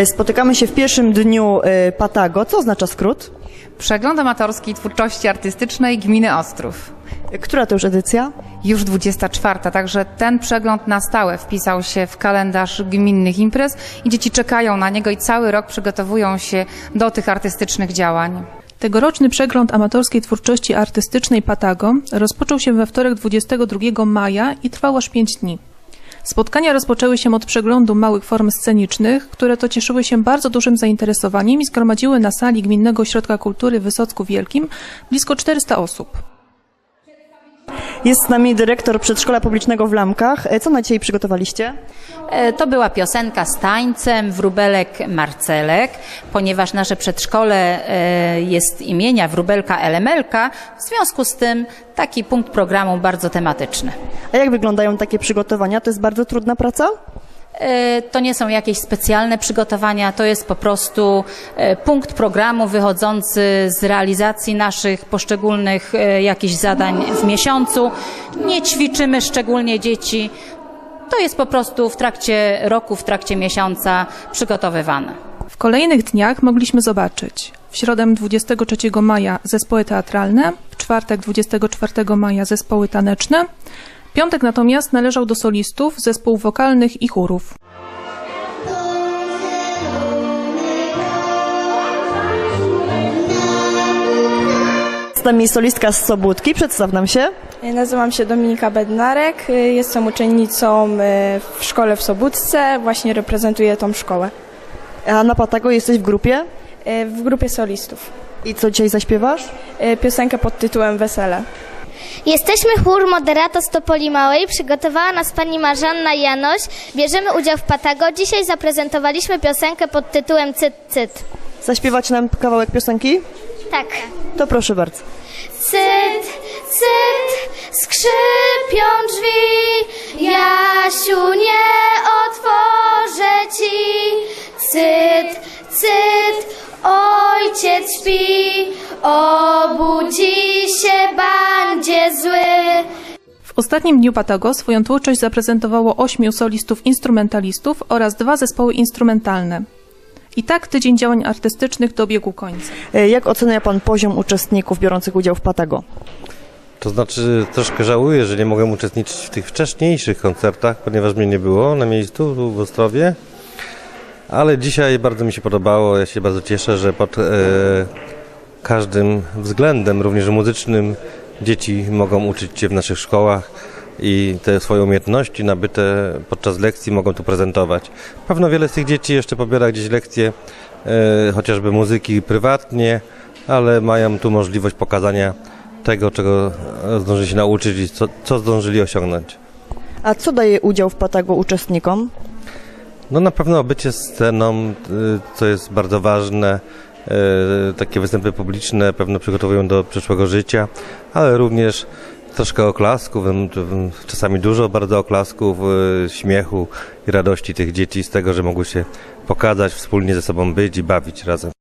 Spotykamy się w pierwszym dniu Patago. Co oznacza skrót? Przegląd amatorskiej twórczości artystycznej Gminy Ostrów. Która to już edycja? Już 24, także ten przegląd na stałe wpisał się w kalendarz gminnych imprez i dzieci czekają na niego i cały rok przygotowują się do tych artystycznych działań. Tegoroczny przegląd amatorskiej twórczości artystycznej Patago rozpoczął się we wtorek 22 maja i trwał aż 5 dni. Spotkania rozpoczęły się od przeglądu małych form scenicznych, które to cieszyły się bardzo dużym zainteresowaniem i zgromadziły na sali Gminnego Ośrodka Kultury w Wysocku Wielkim blisko 400 osób. Jest z nami dyrektor przedszkola publicznego w Lamkach. Co na dzisiaj przygotowaliście? To była piosenka z tańcem, wróbelek Marcelek, ponieważ nasze przedszkole jest imienia wróbelka Elemelka, w związku z tym taki punkt programu bardzo tematyczny. A jak wyglądają takie przygotowania? To jest bardzo trudna praca? To nie są jakieś specjalne przygotowania, to jest po prostu punkt programu wychodzący z realizacji naszych poszczególnych jakichś zadań w miesiącu. Nie ćwiczymy szczególnie dzieci. To jest po prostu w trakcie roku, w trakcie miesiąca przygotowywane. W kolejnych dniach mogliśmy zobaczyć w środę 23 maja zespoły teatralne, w czwartek 24 maja zespoły taneczne. Piątek natomiast należał do solistów, zespołów wokalnych i chórów. Z nami solistka z Sobótki. Przedstaw nam się. Nazywam się Dominika Bednarek, jestem uczennicą w szkole w Sobótce, właśnie reprezentuję tą szkołę. A na Patago jesteś w grupie? W grupie solistów. I co dzisiaj zaśpiewasz? Piosenkę pod tytułem Wesele. Jesteśmy chór Moderato z Topoli Małej. Przygotowała nas pani Marzanna Janoś. Bierzemy udział w Patago. Dzisiaj zaprezentowaliśmy piosenkę pod tytułem Cyt, cyt. Zaśpiewać nam kawałek piosenki? Tak. To proszę bardzo. Cyt, cyt, skrzypią drzwi. Jasiu, nie otworzę ci. Cyt, cyt, ojciec śpi. Obudzi się, bandzie zły. W ostatnim dniu Patago swoją twórczość zaprezentowało 8 solistów instrumentalistów oraz 2 zespoły instrumentalne. I tak tydzień działań artystycznych dobiegł końca. Jak ocenia pan poziom uczestników biorących udział w Patago? To znaczy troszkę żałuję, że nie mogłem uczestniczyć w tych wcześniejszych koncertach, ponieważ mnie nie było na miejscu tu w Ostrowie. Ale dzisiaj bardzo mi się podobało. Ja się bardzo cieszę, że pod każdym względem, również muzycznym, dzieci mogą uczyć się w naszych szkołach i te swoje umiejętności nabyte podczas lekcji mogą tu prezentować. Pewno wiele z tych dzieci jeszcze pobiera gdzieś lekcje, chociażby muzyki prywatnie, ale mają tu możliwość pokazania tego, czego zdążyli się nauczyć i co zdążyli osiągnąć. A co daje udział w Patago uczestnikom? No na pewno bycie sceną, co jest bardzo ważne. Takie występy publiczne pewno przygotowują do przyszłego życia, ale również troszkę oklasków, czasami dużo bardzo oklasków, śmiechu i radości tych dzieci z tego, że mogły się pokazać, wspólnie ze sobą być i bawić razem.